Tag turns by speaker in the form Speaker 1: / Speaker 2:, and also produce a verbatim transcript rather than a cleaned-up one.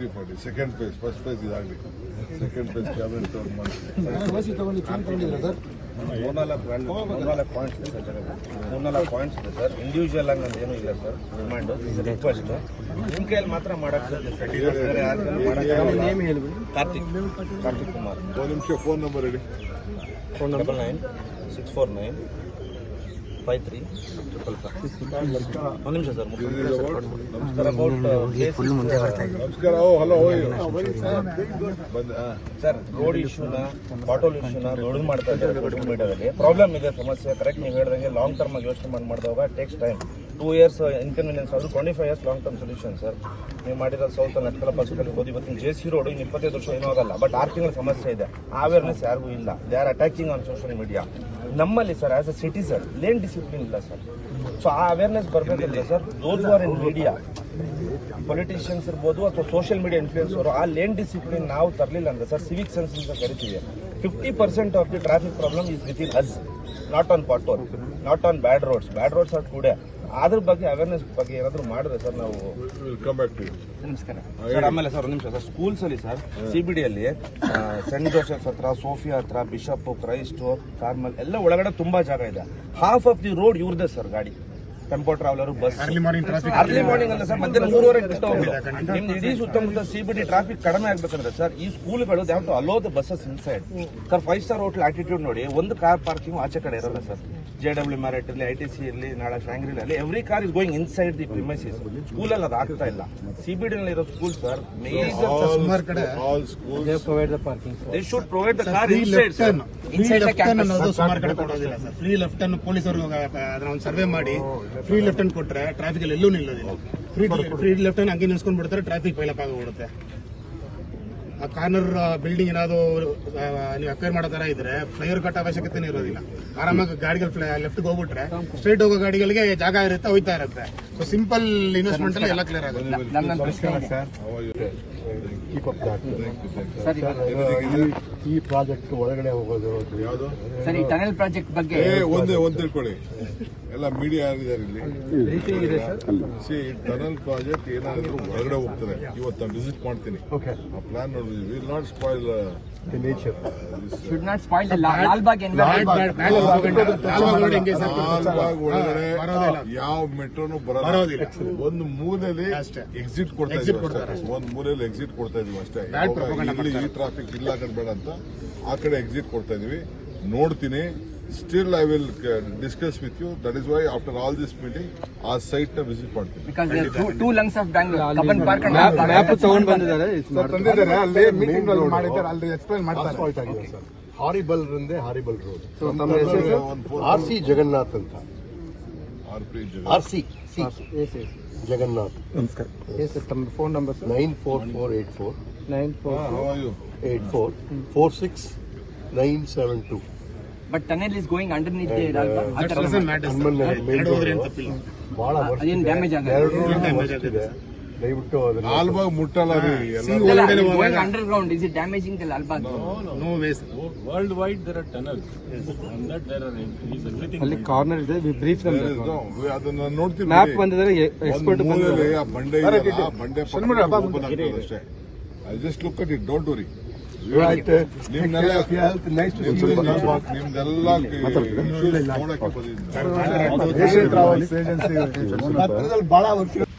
Speaker 1: Three forty second phase first phase ಇದಾಗಲಿ second phase cabinet ತಗೊಂಡು
Speaker 2: ಮೂರ್ನಾಲ್ಕು ಮೂರ್ನಾಲ್ಕು ಪಾಯಿಂಟ್ಸ್ ಇದೆ ಸರ್ ಮೂರ್ನಾಲ್ಕು ಪಾಯಿಂಟ್ಸ್ ಇದೆ ಸರ್ ಇಂಡಿವಿಜುವಲ್ ಆಗಿ ನಂದು ಏನೂ ಇಲ್ಲ ಸರ್ ಡಿಮ್ಯಾಂಡು ರಿಕ್ವೆಸ್ಟ್ ನಿಮ್ಮ ಕೈಯಲ್ಲಿ ಮಾತ್ರ ಮಾಡಕ್ಕೆ ಕಾರ್ತಿಕ್ ಕಾರ್ತಿಕ್ ಕುಮಾರ್
Speaker 1: ಒಂದು ನಿಮಿಷ ಫೋನ್ ನಂಬರ್ ಹೇಳಿ
Speaker 2: phone double nine six four nine five three triple five ಒಂದು ನಿಮಿಷ ಸರ್ ನಮಸ್ಕಾರ ಅಬೌಟ್
Speaker 1: ನಮಸ್ಕಾರ ಓ ಹಲೋ
Speaker 2: ಸರ್ ರೋಡ್ ಇಶ್ಯೂನ ಬಾಟೋಲ್ ಇಶ್ಯೂನ ದೊಡ್ಡದು ಮಾಡ್ತಾ ಇದ್ದಾರೆ ಸೋಷಿಯಲ್ ಮೀಡಿಯಾದಲ್ಲಿ ಪ್ರಾಬ್ಲಮ್ ಇದೆ ಸಮಸ್ಯೆ ಕರೆಕ್ಟ್ ನೀವು ಹೇಳಿದಂಗೆ ಲಾಂಗ್ ಟರ್ಮ್ ಆಗಿ ಯೋಚನೆ ಮಾಡಿ ಮಾಡಿದಾಗ takes time two years inconvenience ಅದು twenty five years long term solution sir ನೀವು ಮಾಡಿರೋ ಸೌತ್ ನಟ್ಕಲ ಪರ್ಸ್ಕಲ್ ಹೋಗಿ ಇವತ್ತಿನ ಜೆ ಸಿ ರೋಡ್ ಇನ್ನು ಇಪ್ಪತ್ತೈದು ವರ್ಷ ಏನೂ ಆಗಲ್ಲ ಬಟ್ ಆರು ತಿಂಗಳ ಸಮಸ್ಯೆ ಇದೆ ಅವೇರ್ನೆಸ್ ಯಾರಿಗೂ ಇಲ್ಲ they are attacking on social media ನಮ್ಮಲ್ಲಿ sir as a citizen lane discipline ಇಲ್ಲ ಸರ್ ಸೊ ಆ ಅವೇರ್ನೆಸ್ ಬರಬೇಕಂದ್ರೆ sir those are in media politicians ಇರ್ಬೋದು ಅಥವಾ ಸೋಷಿಯಲ್ ಮೀಡಿಯಾ ಇನ್ಫ್ಲೂಯೆನ್ಸರು ಆ ಲೇನ್ ಡಿಸಿಪ್ಲಿನ್ ನಾವು ತರಲಿಲ್ಲ ಅಂದ್ರೆ ಸರ್ ಸಿವಿಕ್ ಸೆನ್ಸ್ ಅಂತ ಕರಿತೀವಿ fifty percent of the traffic problem is with in us not on pothole not on bad roads bad roads are today ಅದ್ರ ಬಗ್ಗೆ ಅವೇರ್ನೆಸ್ ಬಗ್ಗೆ ಏನಾದರೂ ಮಾಡಿದ್ರೆ ಸರ್ ನಾವು ನಮಸ್ಕಾರ ಸರ್ ಆಮೇಲೆ ಸರ್ ಒಂದು ನಿಮಿಷ ಸರ್ ಸ್ಕೂಲ್ಸ್ ಅಲ್ಲಿ ಸರ್ ಸಿಬಿಡಿಯಲ್ಲಿ ಸೆಂಟ್ ಜೋಸೆಫ್ ಹತ್ರ ಸೋಫಿಯಾ ಹತ್ರ ಬಿಷಪ್ ಕ್ರೈಸ್ಟ್ ಕಾರ್ಮಲ್ ಎಲ್ಲ ಒಳಗಡೆ ತುಂಬಾ ಜಾಗ ಇದೆ ಹಾಫ್ ಆಫ್ ದಿ ರೋಡ್ ಇವ್ರದೇ ಸರ್ ಗಾಡಿ tempo traveller bus early morning ಅಲ್ಲ ಸರ್ ಮಧ್ಯಾಹ್ನ ಮೂರುವರೆಗೆ ಬಿಟ್ಟು ಹೋಗ್ಬೇಕು ನಿಮ್ದು ಇಡೀ ಸುತ್ತಮುತ್ತ ಸಿಬಿಡಿ ಟ್ರಾಫಿಕ್ ಕಡಿಮೆ ಆಗ್ಬೇಕಂದ್ರೆ ಸರ್ ಈ ಸ್ಕೂಲ್ಗಳು they have to allow the buses inside sir five star hotel attitude ನೋಡಿ ಒಂದು ಕಾರ್ ಪಾರ್ಕಿಂಗ್ ಆಚೆ ಕಡೆ ಇರಲ್ಲ ಸರ್ ಜೆ ಡಬ್ಲ್ಯೂ ಮ್ಯಾರೆಟ್ ಇರಲಿ ಐ ಟಿ ಸಿ ಇರಲಿ ನಾಳೆ ಫ್ಯಾಂಗ್ರಿಲ್ ಅಲ್ಲಿ every car is going inside the premises ಸ್ಕೂಲಲ್ಲಿ ಅದು ಆಗ್ತಾ ಇಲ್ಲ ಸಿಬಿಡಿ ನಲ್ಲಿ ಇರೋ ಸ್ಕೂಲ್ ಸರ್ ಮೇಜರ್ ಕಡೆ they should provide the car inside sir
Speaker 3: ಸುಮಾರು ಕಡೆ ಕೊಡೋದಿಲ್ಲ ಸರ್ ಫ್ರೀ ಲೆಫ್ಟ್ ಅನ್ನು ಪೊಲೀಸರು ಅದನ್ನ ಒಂದು ಸರ್ವೆ ಮಾಡಿ ಫ್ರೀ ಲೆಫ್ಟ್ ಅನ್ನು ಕೊಟ್ರೆ ಟ್ರಾಫಿಕ್ ಅಲ್ಲಿ ಎಲ್ಲೂ ನಿಲ್ಲೋದಿಲ್ಲ ಫ್ರೀ ಫ್ರೀ ಲೆಫ್ಟ್ ಅನ್ನು ಹಂಗೆ ನಿಲ್ಸ್ಕೊಂಡ್ ಬಿಡ್ತಾರೆ ಟ್ರಾಫಿಕ್ ಪೈಲಪ್ ಆಗೋಗ್ಬಿಡುತ್ತೆ ಆ ಕಾರ್ನರ್ ಬಿಲ್ಡಿಂಗ್ ಏನಾದ್ರು ನೀವು ಅಕ್ವೈರ್ ಮಾಡೋ ತರ ಇದ್ರೆ ಫ್ಲೈಓವರ್ ಕಟ್ ಅವಶ್ಯಕತೆ ಇರೋದಿಲ್ಲ ಆರಾಮಾಗಿ ಗಾಡಿಗಳು ಲೆಫ್ಟ್ಗೆ ಹೋಗ್ಬಿಟ್ರೆ ಸ್ಟ್ರೈಟ್ ಹೋಗೋ ಗಾಡಿಗಳಿಗೆ ಜಾಗ ಇರುತ್ತೆ ಹೋಯ್ತಾ ಇರುತ್ತೆ ಸೊ ಸಿಂಪಲ್ ಇನ್ವೆಸ್ಟ್ಮೆಂಟ್ ಅಲ್ಲಿ ಎಲ್ಲ ಕ್ಲಿಯರ್ ಆಗುತ್ತೆ
Speaker 4: ಈ ಪ್ರಾಜೆಕ್ಟ್ ಒಳಗಡೆ ಹೋಗೋದು
Speaker 1: ಯಾವುದು
Speaker 5: ಸರ್ ಈ ಟನಲ್ ಪ್ರಾಜೆಕ್ಟ್ ಬಗ್ಗೆ
Speaker 1: ಒಂದೇ ಒಂದ್ ತಿಳ್ಕೊಳ್ಳಿ ಎಲ್ಲ ಮೀಡಿಯಾ ಯಾರಿದ್ದಾರೆ ಇಲ್ಲಿ ಸಿ ಟನಲ್ ಪ್ರಾಜೆಕ್ಟ್ ಏನಾದ್ರು ಹೊರಗಡೆ ಹೋಗ್ತಾರೆ ಇವತ್ತು ನಾನು ವಿಸಿಟ್ ಮಾಡ್ತೀನಿ ಆ ಪ್ಲಾನ್ ನೋಡಿ will not spoil
Speaker 4: the nature
Speaker 5: should not spoil the Lalbagh environment
Speaker 1: ಒಳಗಡೆ ಯಾವ ಮೆಟ್ರೋನು ಬರೋದಿಲ್ಲ ಒಂದು ಮೂಲೆಯಲ್ಲಿ ಎಕ್ಸಿಟ್ ಕೊಡ್ತಾ ಇದೀವಿ ಒಂದ್ ಮೂಲೆಯಲ್ಲಿ ಎಕ್ಸಿಟ್ ಕೊಡ್ತಾ ಇದೀವಿ ಅಷ್ಟೇ ಈ ಟ್ರಾಫಿಕ್ ಇಲ್ಲ ಕಡೆ ಬೇಡ ಅಂತ ಆ ಕಡೆ ಎಕ್ಸಿಟ್ ಕೊಡ್ತಾ ಇದೀವಿ ನೋಡ್ತೀನಿ Still, I will uh, discuss with you. That is why, after all this meeting, our site na visit ಮಾಡ್ತೀನಿ.
Speaker 5: Because there are two, two lungs of Bangalore. Kapan Park and
Speaker 4: map ತಗೊಂಡು ಬಂದಿದ್ದಾರೆ.
Speaker 3: ತಂದಿದ್ದಾರೆ ಅಲ್ಲಿ meeting ಅಲ್ಲಿ ಮಾಡಿದ್ದಾರೆ ಅಲ್ಲಿ explain ಮಾಡ್ತಾರೆ.
Speaker 4: Asphalt ಆಗಿದೆ ಸರ್. ಹಾರಿಬಲ್ ರಂದೆ ಹಾರಿಬಲ್ ರೋಡ್. ಸೊ ತಮ್ಮ ಹೆಸರು ಆರ್ ಸಿ ಜಗನ್ನಾಥ್ ಅಂತ.
Speaker 1: R P
Speaker 4: R C C S S Jagannath. ನಮಸ್ಕಾರ. ಎಸ್ ತಮ್ಮ phone number sir nine four four eight four nine four
Speaker 1: How are you?
Speaker 4: Eight four four six nine seven two.
Speaker 5: but tunnel is going underneath the Lalbagh.
Speaker 3: That doesn't matter.
Speaker 4: ಬಹಳ ವರ್ಷ
Speaker 5: ಅದೇನು damage
Speaker 4: ಆಗಿದೆ. ದಯವಿಟ್ಟು
Speaker 1: ಲಾಲ್ಬಾಗ್ ಮುಟ್ಟಲ್ಲ ರೀ
Speaker 5: going underground. Is it damaging the Lalbagh?
Speaker 3: No, no way.
Speaker 6: Worldwide there are tunnels. On that there are is everything.
Speaker 4: ಅಲ್ಲಿ corner ಇದೆ brief
Speaker 1: ಅದನ್ನ ನೋಡ್ತೀನಿ
Speaker 4: ಮ್ಯಾಪ್ ಬಂದಿದ್ದಾರೆ ಎಕ್ಸ್ಪರ್ಟ್
Speaker 1: ಮೂಲೆಯಲ್ಲಿ ಆ ಬಂಡೆ ಇದೆಯಲ್ಲ, ಆ ಬಂಡೆ ಪಕ್ಕ open ಆಗ್ತದೆ ಅಷ್ಟೇ. I just look at it, don't worry. ನಿಮ್ನೆಲ್ಲ ನಿಮ್ದೆಲ್ಲ ನೋಡಕ್ಕೆ ಬಂದಿದ್ದೀನಿ.